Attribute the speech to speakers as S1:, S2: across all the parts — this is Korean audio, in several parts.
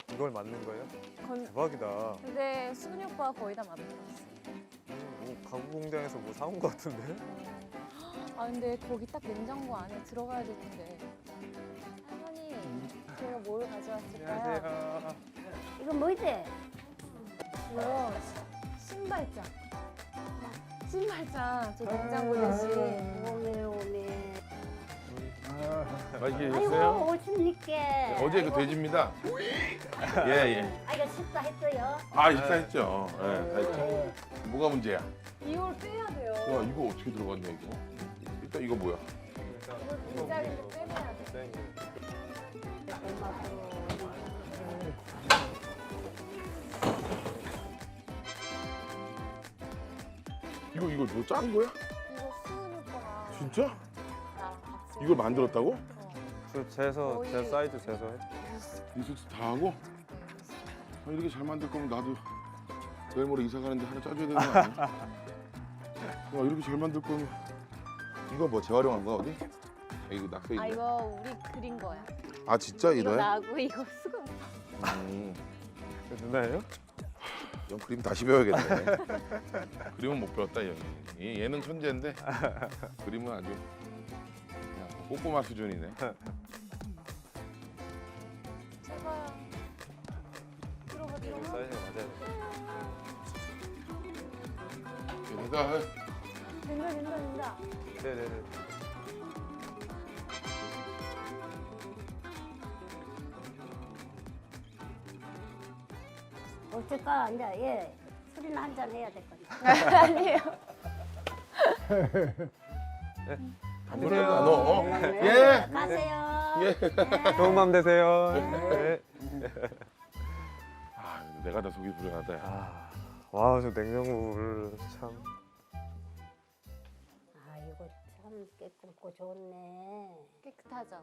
S1: 이걸 만든 거예요?
S2: 건...
S1: 대박이다.
S2: 근데 수근이 오빠가 거의 다 만들었어.
S1: 뭐 가구 공장에서 뭐 사온 거 같은데?
S2: 아 근데 거기 딱 냉장고 안에 들어가야 될 텐데. 할머니, 제가 뭘 가져왔을까요?
S1: 안녕하세요.
S3: 이건 뭐지?
S2: 이거 신발장. 신발장 저 냉장고 대신.
S3: 오메 오메.
S4: 맛있게
S3: 아이고
S4: 드셨어요?
S3: 오십니까?
S4: 어제 그 돼지입니다. 예, 예.
S3: 아 이거 식사 했어요?
S4: 아, 식사했죠. 예, 다 했죠. 뭐가 문제야?
S2: 이걸 빼야 돼요.
S4: 와, 이거 어떻게 들어갔냐, 이거? 일단 이거 뭐야?
S2: 이거 빈자리를 빼내야 돼.
S4: 이거 뭐 짠 거야?
S2: 이거 수근이 오빠가
S4: 진짜?
S2: 나랑 같이.
S4: 이걸 만들었다고?
S1: 저 재서
S2: 거의-
S1: 제 사이즈 재서 해.
S4: 리서치 다 하고? 아, 이렇게 잘 만들 거면 나도 내일 모레 이사 가는데 하나 짜줘야 되는 거 아니야? 와, 이렇게 잘 만들 거면 이거 뭐 재활용한 거야 어디? 아, 이거 낙서
S2: 아
S4: 있네.
S2: 이거 우리 그린 거야.
S4: 아, 진짜
S2: 이거
S4: 이거야?
S2: 나고 이거 수근.
S1: 누나예요?
S4: 형 그림 다시 배워야겠네. 그림은 못 배웠다 이 형이. 얘는 천재인데 그림은 아주 그냥 꼬꼬마 수준이네.
S2: 제발. 들어가
S1: 이거
S2: 들어가.
S1: 사이즈가 맞아야 돼.
S4: 내가
S2: 된다 된다 된다.
S1: 네네네.
S3: 어쩔까 이제 예 술이나 한잔 해야 될 거니.
S2: 아니에요.
S1: 안녕하세요.
S4: 너
S3: 네,
S4: 예.
S3: 가세요.
S4: 예.
S1: 좋은 밤 되세요. 네.
S4: 아, 내가 다 속이 불안하다. 야.
S1: 아, 와, 저 냉장고를 참.
S3: 아 이거 참 깨끗고 좋네.
S2: 깨끗하죠.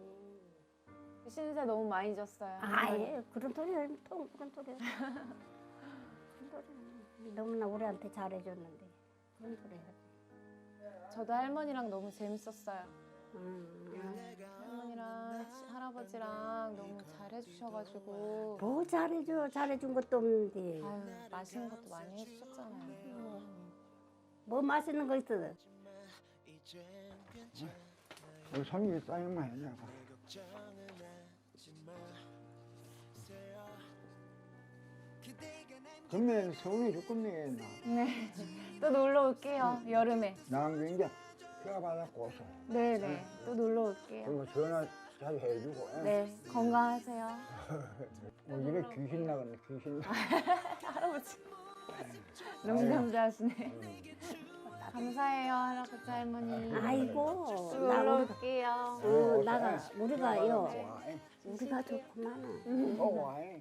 S2: 신세 너무 많이 졌어요.
S3: 아예 그런 소리야 또 그런 소리야. 그런 소리야. 너무나 우리한테 잘해줬는데 그런 소리야.
S2: 저도 할머니랑 너무 재밌었어요. 할머니랑 할아버지랑 너무 잘해주셔가지고
S3: 뭐 잘해줘 잘해준 것도 없는데
S2: 아유 맛있는 것도 많이 해주셨잖아요.
S3: 뭐 맛있는 거 있어?
S5: 성이 쌓이면 해냐고. 그러면 서울에 죽겠네.
S2: 네. 또 놀러 올게요. 여름에.
S5: 나는 이제 휴가 받았고 와서.
S2: 네네. 또 놀러 올게요.
S5: 그리고 전화 자주 해주고. 예.
S2: 네. 건강하세요.
S5: 집에 귀신 나갔네 귀신.
S2: 할아버지. 너무 감사하시네. 감사해요 할아버지 할머니.
S3: 아이고
S2: 또 놀러 올게요.
S3: 나가 우리가요
S5: 좋아해.
S3: 우리가 좋구만.
S5: 좋아해.